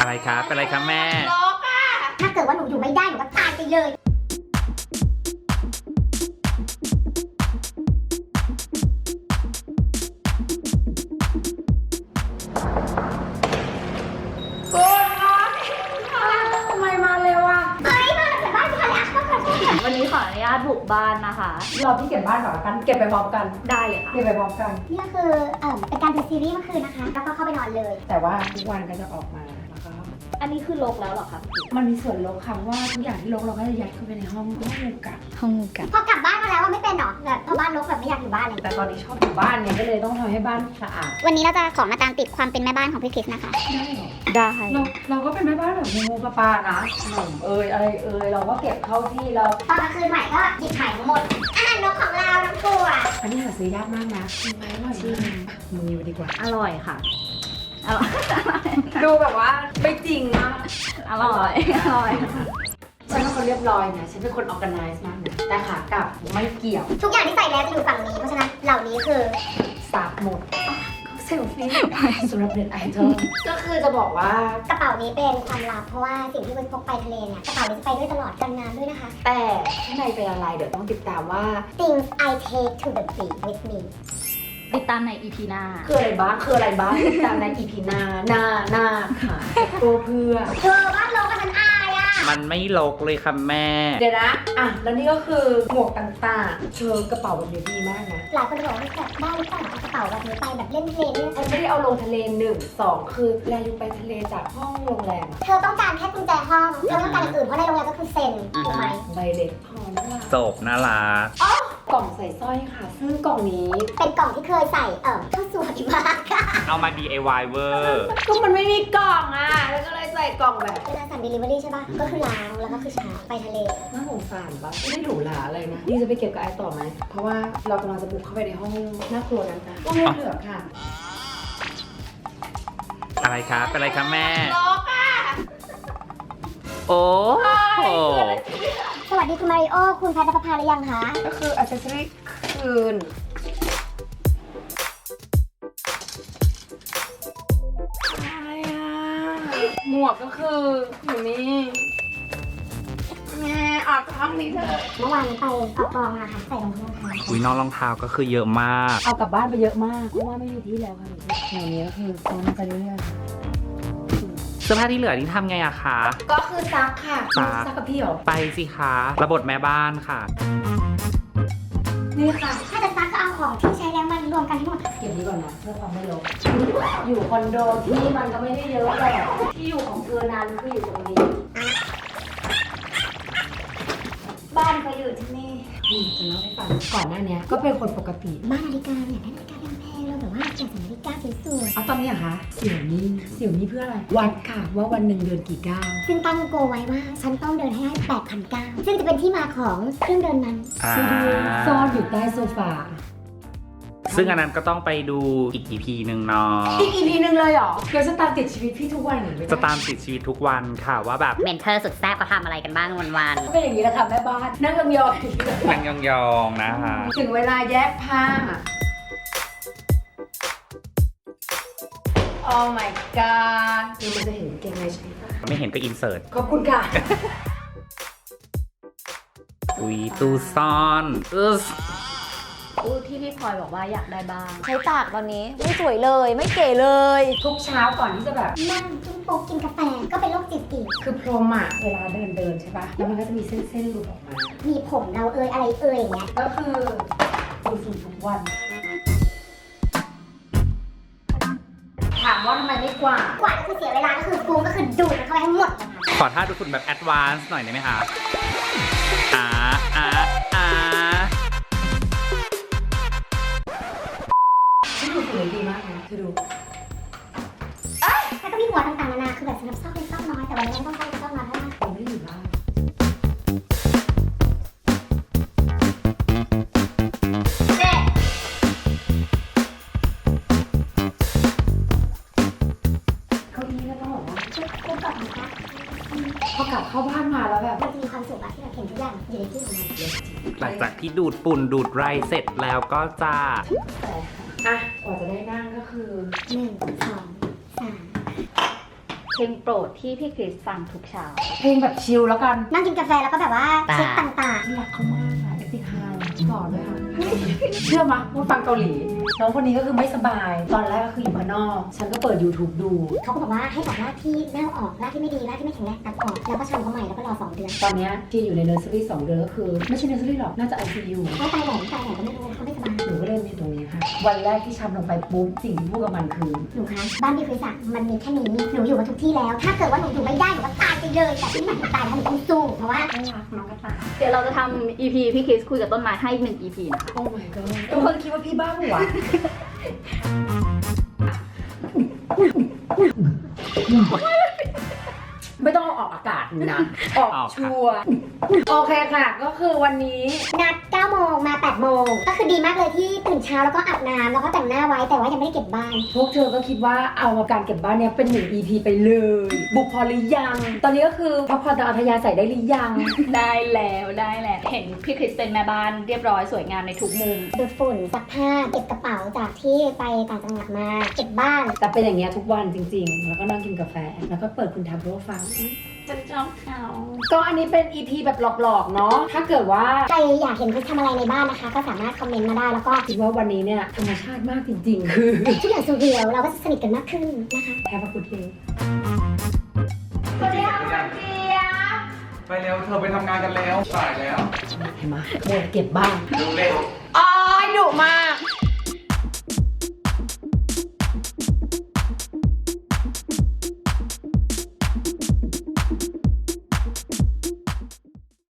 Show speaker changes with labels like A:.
A: อะไรครับเป็นอะไรครับแม่
B: ล็อกอ่ะถ้าเกิดว่าหนูอยู่ไม่ได้หนูก็ตายไปเลย
C: ทำไมมาเร็วอ่ะ
B: เฮ้ยมาจากบ้านพี่คะเลยอ่ะก็ขอโทษค่ะ
C: วันนี้ขออนุญาตบุกบ้านนะคะ
D: เราพี่เก็บบ้านก่อนละกัน เก็บไปพร้อมกัน
C: ได้เลยค่ะ
D: เก็บไปพร้อมกัน
B: นี่ก็คือเป็นการดูซีรีส์เมื่อคืนนะคะ แล้วก็เข้าไปนอนเลย
D: แต่ว่าทุกวันก็จะออกมาแล้วก็
C: อันนี้คือลกแล้วเหรอคะ
D: มันมีส่วนลบค่ะว่าทุกอย่างที่ลบเราก็จะยัดเข้าไปในห้องงูกัด
C: ห้องกัน
B: พอกลับบ้านมาแล้วว่าไม่เป็นหรอแบบพอบ้านรกแบบไม่อยากอยู่บ้านเลย
D: แต่ตอนนี้ชอบอยู่บ้านเนี่ยก็เลยต้องทำให้บ้านสะอาด
B: วันนี้เราจะขอมาตามติดความเป็นแม่บ้านของพี่คริสนะคะ
D: ได้เหรอ
C: ได้
D: เราก็เป็นแม่บ้านแบบงูปลานะขนมอะไรเราก็เก็บเข้าที่เรา
B: ตอนกลางคืนใหม่ก็หยิบใหม่ทั้งหมดอาหารนกของเราน้ำตัว
D: อันนี้หาซื้อยากมากนะชิมไหมอร่อยมากมือดีกว่า
C: อร่อยค่ะ อร่อย
D: ดูแบบว่าไม่จริงมาก
C: อร่อย อร่อย
D: ฉันเป็นคนเรียบร้อยนะฉันเป็นคน organize มากนะแต่ขากลับไม่เกี่ยว
B: ทุกอย่างที่ใส่แล้วจะอยู่ฝั่งนี้ เพราะฉะนั้นเหล่านี้คือ
D: สาบหมดเซลฟี่สำหรับเด็ดไอเทมก็คือจะบอกว่าก
B: ระเป๋านี้เป็นความลับเพราะว่าสิ่งที่คุณพกไปทะเลเนี่ยกระเป๋านี้จะไปด้วยตลอดกันน้ำด้วยนะคะ
D: แต่ข้างในเป็นอะไรเดี๋ยวต้องติดตามว่า
B: Things I take to the beach with me
C: ติดตามใน EP หน้า
D: คืออะไรบ้างติดตามใน EP หน้าค่ะตัวเพื่อ
B: เธอบ้านรกกับฉันอายอ่ะ
A: มันไม่ลกเลยค่ะแม่
D: เดี๋ยวนะแล้วนี่ก็คือหมวกต่างๆเชิงกระเป๋าแบบนี้ดีมากนะ
B: หลายคนบอกว่าแบบได้หรือเปล่าเอากระเป๋าแบบนี้ไปแบบเล่นทะเลเนี่ย
D: ฉันไม่ได้เอาลงทะเล1 2คือแลลิวไปทะเลจากห้องโรงแรม
B: เธอต้องการแค่กุญแจห้องเธอไม่ต้องการอย่างอื่นเพราะในโรงแรมก็คือเซ็นถูกไหม
D: ใบเล็กพอแล้วล่ะ
A: จบน่ารัก
D: กล่องใส่สร้อยค่ะ ซึ่งกล่องนี้
B: เป็นกล่องที่เคยใส่ก็สวยมากค่ะ
A: เอามา DIY เวอร์
D: ก็มันไม่มีกล่องแล้วก็เลยใส่กล่องแบบ
B: เวลาสั่ง delivery ใช่ป่ะก็คือล้างแล้วก็คือชาร์จไปทะเล
D: น่าสงสารปะไม่ได้หรูหราอะไรนะนี่จะไปเก็บกับไอต่อไหมเพราะว่าเรากำลังจะบุกเข้าไปในห้องน่ากลัวนั้นนะห้องเหลือค่ะ
A: อะไรครับเป็นอะไรครับแม่
B: ล็อกอ่ะ
A: โอ้โห
B: สวัสดีคุณมาริโอคุณแพทย์นภพาหรือยังคะ
D: ก็คืออัซเซสซอรี่คืนอะไรหมวกก็คืออยู่นี่แม่ออกห้องนี้เถอะ
B: เมื่อวานนี้ไปออกกองมาค่ะใส่รองเท้าค่ะ
A: อุ้ยน้องรองเท้าก็คือเยอะมาก
D: เอากลับบ้านไปเยอะมากเพราะว่าไม่มีที่แล้วค่ะหนูนี้ก็คือซ้อนไปเรื่อย
A: เสื้อผ้าที่เหลือนี่ทำไงอะคะ
D: ๆก็คือซักค่ะ
A: ซัก
D: ซักกับพี่เหรอ
A: ไปสิคะระบบแม่บ้านค่ะ
D: นี่ค่ะ
B: ถ้าจะซักก็เอาของที่ใช้แล้วมันรวมกันทั้งหมด
D: เก็บนี้ก่อนนะเพื่อความไม่รกอยู่คอนโดที่มันก็ไม่ได้เยอะแต่ที่อยู่ของเธอนั้นคืออยู่ตรงนี้
B: บ้านเขาอยู่ที่นี่
D: จะเล่าให้ฟังก่อนหน้านี้ก็เป็นคนปกติ
B: บ้านนาฬิกาเนี่ยได้นาฬิกาแพงๆเราแบบว่าอยากใส่นาฬิกาสวย
D: เอาตอนนี้อะคะเสี่ยวนี้เพื่ออะไรวัดค่ะว่าวันหนึ่งเดินกี่ก้าว
B: ๆซึ่งตั้งโกไว้ว่าฉันต้องเดินให้ได้ 8,009 ซึ่งจะเป็นที่มาของเครื่องเดินนั้น
A: อ่า
D: ซ่อนอยู่ใต้โซฟา
A: ซึ่งอันนั้นก็ต้องไปดูอีก EP หนึ่งเนาะ
D: อีก EP นึงเลยเหรอเดี๋ยวจะตามติดชีวิตพี่ทุกวันเลย
A: จะตามติดชีวิตทุกวันค่ะว่าแบบ
C: เมนเทอร์สุดแซ่บเขาทำอะไรกันบ้างวัน
D: ก็เป็นอย่างนี้แหละค่ะแม่บ้านนั่งยองๆ
A: นั่งยองๆนะคะ
D: ถึงเวลาแยกผ้า Oh my god คือมันจะเห็นเกงในใช่ปะ
A: ไม่เห็นก็อินเสิร์ต
D: ขอบคุณค่ะ
A: อุ้ยตู้ซ่อน
C: ๆอู้ที่พี่พลอยบอกว่าอยากได้บ้าง ใช้ตากตอนนี้ไม่สวยเลยไม่เก๋เลย
D: ทุกเช้าก่อนที่จะแบบ
B: นั่งจุ้งโป๊กกินกาแฟก็เป็นโรคจิตอีก
D: คือพรมอะเวลาเดินใช่ปะแล้วมันก็จะมีเส้นหลุดออกมา
B: มีผมเราอะไรอย่างเงี้ย
D: ก็คือดูสูทุกวัน ถามว่าทำไมไม่กวาด
B: กว่าก็คือเสียเวลาก็คือกูก็คือดูดมันเข้าไปให้หมดเลยค่ะ
A: ขอท่าดูคุณแบบแอดวานซ์หน่อยได้ไหมคะอ่า
D: ที่ดูสวยดีมากนะเธอดู
B: แล้วก็มีหัวต่างๆนานาคือแบบสำหรับซอกเล็กซอกน้อยแต่วันนี้ไม่ต้องใช้ซอกน้อยเท่าไหร่
D: ผมไม่ได้อยู่บ้าน
B: เจ๊
D: เก้าอี้ก็ต้องบอกว่า
B: กูกลับนะคะ
D: พอกลับเข้าบ้านมาแล้วแบบ
B: มันจะมีความสุขอะที่เราเห็นทุกอย่างอยู่ในที่ของมัน
A: หลังจากที่ดูดปุ่นดูดไรเสร็จแล้วก็จะ
D: แต่อ่ะกว่าจะได้นั่งก็คือ
B: 1 2 3
C: เพลงโปรดที่พี่คริสฟังทุกเช้า
D: เพลงแบบชิลแล้วกัน
B: นั่งกินกาแฟแล้วก็แบบว่าเช็คต่าง
D: รักเขามากค่ะเอติคาหล่อด้วยค่ะเชื่อมะว่าฟังเกาหลีน้องคนนี้ก็คือไม่สบายตอนแรกก็คืออยู่ข้างนอกฉันก็เปิด YouTube ดู
B: ๆเขาก็บอกว่าให้ตัดรากที่เน่าออกรากที่ไม่ดีรากที่ไม่แข็งแรงตัดออกแล้วก็ชำเขาใหม่แล้วก็รอ2 เดือน
D: ตอนเนี้ยที่อยู่ในเนอร์เซอรี่2 เดือนก็คือไม่ใช่เนอร์เซอรี่หรอกน่าจะ ICU
B: เขาตายแหลมก็ไม่รู้เขาไม่สบาย
D: หนูก็เล่นอยู่ตรงนี้ค่ะวันแรกที่ชำลงไปปุ๊บสิ่งที่พูดกับมันคือ
B: หนูคะบ้านพี่คริสอะมันมีแค่นี้หนูอยู่มาทุกที่แล้ว ถ้าเกิดว่าหนูอยู่ไม่ได้หนูก็ตายไปเลยแต่ที่หนูตายเพราะหนูต้องสู้เพราะว่า
D: น่ารักน้องกระต่าย
C: เดี๋ยวเราจะทำ EP พี่คริสคุยกับต้นไม้ให้อีก1 EP นะคะ
D: โอ้ my god ทุกคนคิดว่าพี่บ้าหัวไม่ต้องเอาออกอากาศนะออกชัวร์โอเคค่ะ ก็คือวันนี้
B: นัด9 โมงมา8 โมงก็คือดีมากเลยที่ตื่นเช้าแล้วก็อาบน้ำแล้วก็แต่งหน้าไว้แต่ว่ายังไม่ได้เก็บบ้าน
D: พวกเธอก็คิดว่าเอาการเก็บบ้านเนี้ยเป็น1 EP ไปเลย บุกพอหรือยัง ตอนนี้ก็คือพักผ่อนตามอัธยาศัยได้หรือยัง
C: ได้แล้วเห็นพี่คริสเป็นแม่บ้านเรียบร้อยสวยงามในทุกมุม
B: ดูดฝุ่นซักผ้าเก็บกระเป๋าจากที่ไปต่างจังหวัดมาเก็บบ้าน
D: แต่เป็นอย่างเงี้ยทุกวันจริงๆ แล้วก็นั่งกินกาแฟ แล้วก็เปิดคุณทำโปรฟัง
C: จะชอบเขา
D: ก็อันนี้เป็น EP แบบหลอกๆ เนาะ ถ้าเกิดว่า
B: ใครอยากเห็นคริสทำอะไรในบ้านนะคะ ก็สามารถคอมเมนต์มาได้แล้วก็
D: คิดว่าวันนี้เนี่ยธรรมชาติมากจริงๆ คือ
B: ทุกอย่างสูเรียวเราก็จะสนิทกันมากขึ้นนะคะ
D: แฮปปี้กูดเดย์
C: สวัสดีค่ะคุณเจี๊ยบ
E: ไปเร็ว เธอไปทำงานกันแล้วสายแล้ว
D: เห็นไหมโมดเก็บบ้าน
E: ดูเร็ว
D: อ้อยดุมาก